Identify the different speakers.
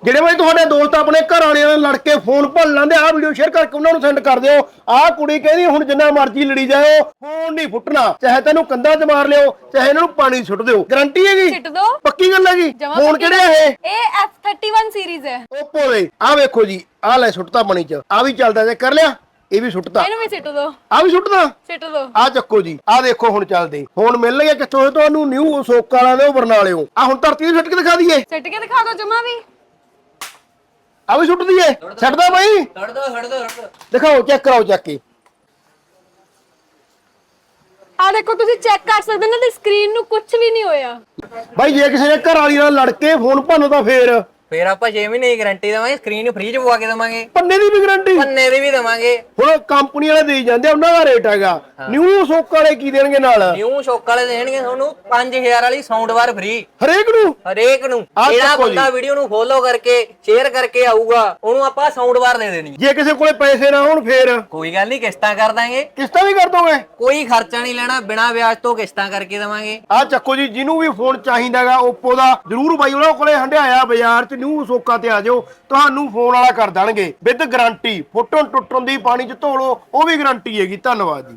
Speaker 1: ਜਿਹੜੇ ਬਾਈ ਤੁਹਾਡੇ ਦੋਸਤ ਆਪਣੇ ਘਰ ਵਾਲਿਆਂ ਨਾਲ ਲੜ ਕੇ ਫੋਨ ਭੰਨ ਲੈਂਦੇ ਆ ਵੀਡੀਓ ਸ਼ੇਅਰ ਕਰਕੇ ਉਹਨਾਂ ਨੂੰ ਸੈਂਡ ਕਰ ਦਿਓ। ਆਹ ਕੁੜੀ ਕਹਿੰਦੀ ਹੁਣ ਜਿੰਨਾ ਮਰਜ਼ੀ ਲੜੀ ਜਾਓ ਫੋਨ ਨਹੀਂ ਫੁੱਟਣਾ, ਚਾਹੇ ਤੈਨੂੰ ਕੰਧਾਂ 'ਚ ਮਾਰ ਲਿਓ ਚਾਹੇ ਇਹਨਾਂ ਨੂੰ ਪਾਣੀ ਸੁੱਟ ਦਿਓ, ਗਾਰੰਟੀ ਹੈਗੀ।
Speaker 2: ਸਿੱਟ ਦੋ,
Speaker 1: ਪੱਕੀ ਗੱਲ ਹੈਗੀ। ਫੋਨ ਕਿਹੜਾ
Speaker 2: ਇਹ F31 ਸੀਰੀਜ਼ ਹੈ
Speaker 1: Oppo ਦੇ। ਆਹ ਵੇਖੋ ਜੀ, ਆਹ ਲੈ ਸੁੱਟਤਾ ਪਾਣੀ 'ਚ, ਆਹ ਵੀ ਚੱਲਦਾ ਜੇ ਕਰ ਲਿਆ, ਇਹ ਵੀ ਸੁੱਟਦਾ,
Speaker 2: ਇਹਨੂੰ ਵੀ ਸਿੱਟ ਦੋ,
Speaker 1: ਆਹ ਵੀ ਸੁੱਟਦਾ,
Speaker 2: ਸਿੱਟ ਦੋ।
Speaker 1: ਆਹ ਚੱਕੋ ਜੀ, ਆਹ ਦੇਖੋ ਹੁਣ ਚੱਲਦੇ। ਹੁਣ ਮਿਲ ਗਿਆ ਕਿੱਥੋਂ ਤੁਹਾਨੂੰ ਨਿਊ ਸੋਕ ਵਾਲਾ ਦੇ ਬਰਨਾਲਿਓ। ਆਹ ਹੁਣ ਧਰਤੀ ਨੂੰ ਸੁੱਟ ਕੇ ਦਿਖਾ ਦਈਏ,
Speaker 2: ਸਿੱਟ ਕੇ ਦਿਖਾ ਦੋ ਜਮਾ ਵੀ।
Speaker 1: ਆ ਵੀ ਸੁੱਟ ਦਈਏ, ਛੱਡਦਾ ਬਾਈ,
Speaker 3: ਛੱਡ ਦੋ
Speaker 1: ਦਿਖਾਓ, ਚੈੱਕ ਕਰਾਓ ਚੱਕ ਕੇ।
Speaker 2: ਆ ਦੇਖੋ ਤੁਸੀਂ ਚੈੱਕ ਕਰ ਸਕਦੇ ਹੋ ਨਾ, ਤੇ ਸਕਰੀਨ ਨੂੰ ਕੁਝ ਵੀ ਨਹੀਂ ਹੋਇਆ।
Speaker 1: ਬਾਈ ਜੇ ਕਿਸੇ ਦੇ ਘਰ ਵਾਲੀ ਨਾਲ ਲੜ ਕੇ ਫੋਨ ਭੰਨਦਾ
Speaker 3: ਫੇਰ ਆਪਾਂ 6 ਮਹੀਨੇ ਦੀ ਗਾਰੰਟੀ ਦੇਵਾਂਗੇ, ਸਕਰੀਨ ਨੂੰ ਫ੍ਰੀ ਚ ਪਵਾ ਕੇ ਦੇਵਾਂਗੇ,
Speaker 1: ਪੰਨੇ ਦੀ ਵੀ ਗਾਰੰਟੀ,
Speaker 3: ਪੰਨੇ ਦੀ ਵੀ ਦੇਵਾਂਗੇ।
Speaker 1: ਹੁਣ ਕੰਪਨੀ ਵਾਲੇ ਦੇਈ ਜਾਂਦੇ, ਉਹਨਾਂ ਦਾ ਰੇਟ ਹੈਗਾ। ਨਿਊ ਸੋਕ ਵਾਲੇ ਕੀ ਦੇਣਗੇ ਨਾਲ?
Speaker 3: ਨਿਊ ਸ਼ੌਕ ਵਾਲੇ ਦੇਣਗੇ ਤੁਹਾਨੂੰ 5000 ਵਾਲੀ ਸਾਊਂਡ ਬਾਰ ਫ੍ਰੀ
Speaker 1: ਹਰੇਕ ਨੂੰ।
Speaker 3: ਹਰੇਕ ਨੂੰ। ਜਿਹੜਾ ਬੰਦਾ ਵੀਡੀਓ ਨੂੰ ਫੋਲੋ ਕਰਕੇ ਸ਼ੇਅਰ ਕਰਕੇ ਆਊਗਾ ਉਹਨੂੰ ਆਪਾਂ ਸਾਊਂਡ ਬਾਰ ਦੇ ਦੇਣੀ।
Speaker 1: ਜੇ ਕਿਸੇ ਕੋਲੇ ਪੈਸੇ ਨਾ ਹੋਣ ਫੇਰ
Speaker 3: ਕੋਈ ਗੱਲ ਨਹੀਂ, ਕਿਸ਼ਤਾਂ ਕਰ ਦਾਂਗੇ।
Speaker 1: ਕਿਸ਼ਤਾਂ ਵੀ ਕਰ ਦੋਗੇ?
Speaker 3: ਕੋਈ ਖਰਚਾ ਨਹੀਂ ਲੈਣਾ, ਬਿਨਾਂ ਵਿਆਜ ਤੋਂ ਕਿਸ਼ਤਾਂ ਕਰਕੇ ਦੇਵਾਂਗੇ।
Speaker 1: ਆਹ ਚੱਕੋ ਜੀ, ਜਿਹਨੂੰ ਵੀ ਫੋਨ ਚਾਹੀਦਾਗਾ Oppo ਦਾ, ਜਰੂਰ ਬਾਈ ਉਹਨਾਂ ਕੋਲੇ ਹੰਡਿਆਇਆ ਬਾਜ਼ਾਰ 'ਚ ਨਿਊ ਸੋਕਾਂ ਤੇ ਆ ਜਾਓ, ਤੁਹਾਨੂੰ ਫੋਨ ਵਾਲਾ ਕਰ ਦੇਣਗੇ ਵਿਦ ਗਾਰੰਟੀ। ਫੋਟੋ ਟੁੱਟਣ ਦੀ ਪਾਣੀ 'ਚ ਧੋ ਲਓ, ਉਹ ਵੀ ਗਾਰੰਟੀ ਹੈਗੀ। ਧੰਨਵਾਦ ਜੀ।